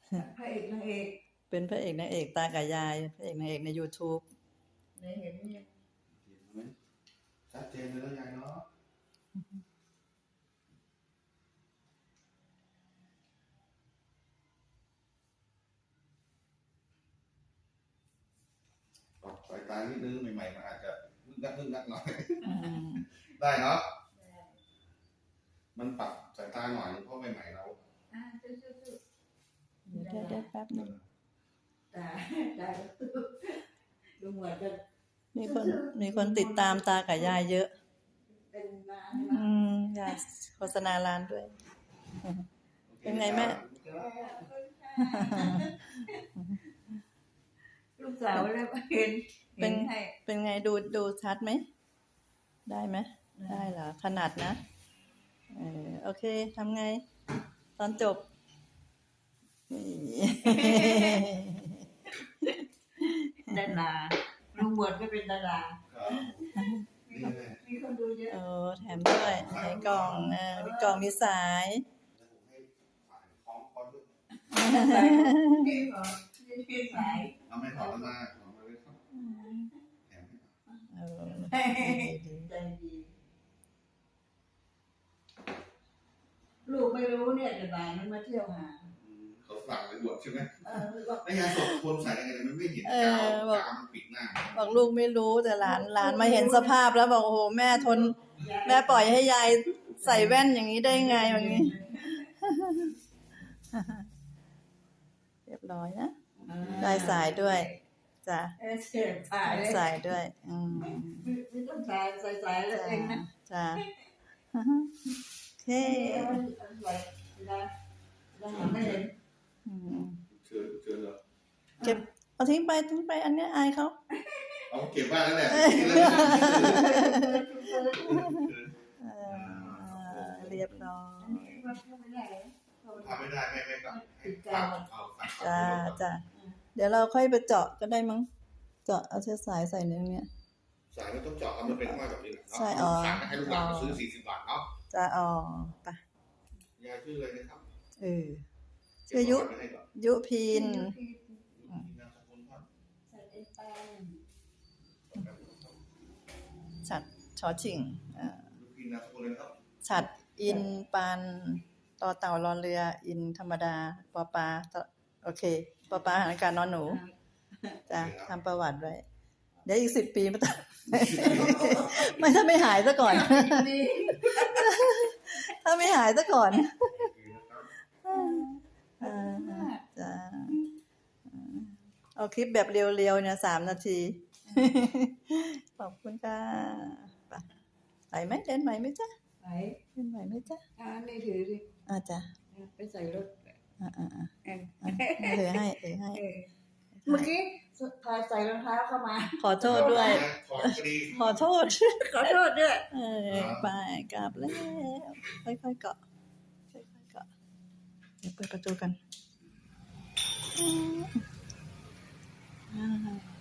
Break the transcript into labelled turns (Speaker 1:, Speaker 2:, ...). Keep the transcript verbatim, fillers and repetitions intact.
Speaker 1: พระเอกนางเอก
Speaker 2: เป็นพระเอกนางเอกตากับยายพระเอกนางเอกใน YouTube
Speaker 1: ได้เห็นเนี่ย
Speaker 3: เห็นไหมชัดเจนเลยแล้วยายเนาะปรับสายตานิดนึงใหม่ๆมันอาจจะนึกนักนึกนักหน่อยได้เนาะมันปรับสายตาหน่อยเพราะใหม่ๆเรา
Speaker 1: อ่าสู้ๆ
Speaker 2: เดี๋ยวได้ได้แป๊บนึง
Speaker 1: ตาตาดูเหมือนจะ
Speaker 2: มีคนมีคนติดตามตากับยายเยอะ
Speaker 1: เป็นร้าน
Speaker 2: อืมอยากโฆษณาร้านด้วยเป็นไงแม่
Speaker 1: ลูกสาวแล้วเห็น
Speaker 2: เป็นเป็นไงดูดูชัดไหมได้ไหมได้เหรอขนาดนะเออโอเคทำไงตอนจบ
Speaker 1: ดาราลุงบวชก็เป็นดารามีคนดูเยอะ
Speaker 2: โอ้แถมด้วยในกล่องเออมีกล่องมีสาย
Speaker 1: สาย
Speaker 3: เอาไม่ถอดมาถอดมาเลยครับแถม
Speaker 1: ใจดีลูกไม่รู้เนี่ยแต่บ่ายมันมาเที่ยวหา
Speaker 3: เขาสั่งเลยบวชใช่ไหมไอ้ยาสดคนใส่ยังไงมันไม่เห็นกาวกาวมันปิดหน้า
Speaker 2: บอกลูกไม่รู้แต่หลานหลานมาเห็นสภาพแล้วบอกโอ้โหแม่ทนแม่ปล่อยให้ยายใส่แว่นอย่างนี้ได้ไงอย่างนี้เรียบร้อยนะได้สายด้วยจ้ะสายด้วยอืม
Speaker 1: ไม่ต้องสายใส่สายแล้วเองนะ
Speaker 2: จ้ะโอเค
Speaker 1: ไม่เห็น
Speaker 3: เชิญเชิญเหรอ
Speaker 2: เก็บเอาทิ้งไปทิ้งไปอันนี้อายเขา
Speaker 3: เอาเก็บบ้านแล้วแหละ
Speaker 2: เรียบร้อย
Speaker 3: ทำไม่ได้ไม่ไม่ก็
Speaker 2: จ้าจ้าเดี๋ยวเราค่อยไปเจาะก็ได้มั้งเจาะเอาเชือกสายใส่ในเนี้ย
Speaker 3: สายไม่ต้องเจาะเอามันเป็นว่าแบบนี้
Speaker 2: ใช่อ๋อ
Speaker 3: ให้ลูกหลานซื้อสี่สิบบาทเนาะ
Speaker 2: จ้าอ๋อไป
Speaker 3: ยายชื่ออะไรนะครับ
Speaker 2: เออชื่อยุยุพินฉัดชอชิงฉัดอินปันต่อเต่ารอเรืออินธรรมดาปอปลาโอเคปอปลาหันการนอนหนูจ้ะทำประวัติไว้เดี๋ยวอีกสิบปีไม่ต้องไม่ถ้าไม่หายซะก่อนถ้าไม่หายซะก่อนจ้ะเอาคลิปแบบเร็วๆเนี่ยสามนาทีขอบคุณค่ะไปไหมเดินไหวไหมจ๊ะ
Speaker 1: ไป
Speaker 2: เดินไหวไหมจ๊ะ
Speaker 1: อ่านี่ถือดิ
Speaker 2: อ่าจ้ะ
Speaker 1: ไปใส่รถ
Speaker 2: อ่าอ่าอ่าถือให้ถือให้
Speaker 1: เมื่อกี้พาใส่รองเท้าเข้ามา
Speaker 2: ขอโทษด้วยขอโทษ
Speaker 1: ขอโทษด้วย
Speaker 2: เออไปกลับแล้วค่อยๆเกาะค่อยๆเกาะเดี๋ยวเปิดประตูกัน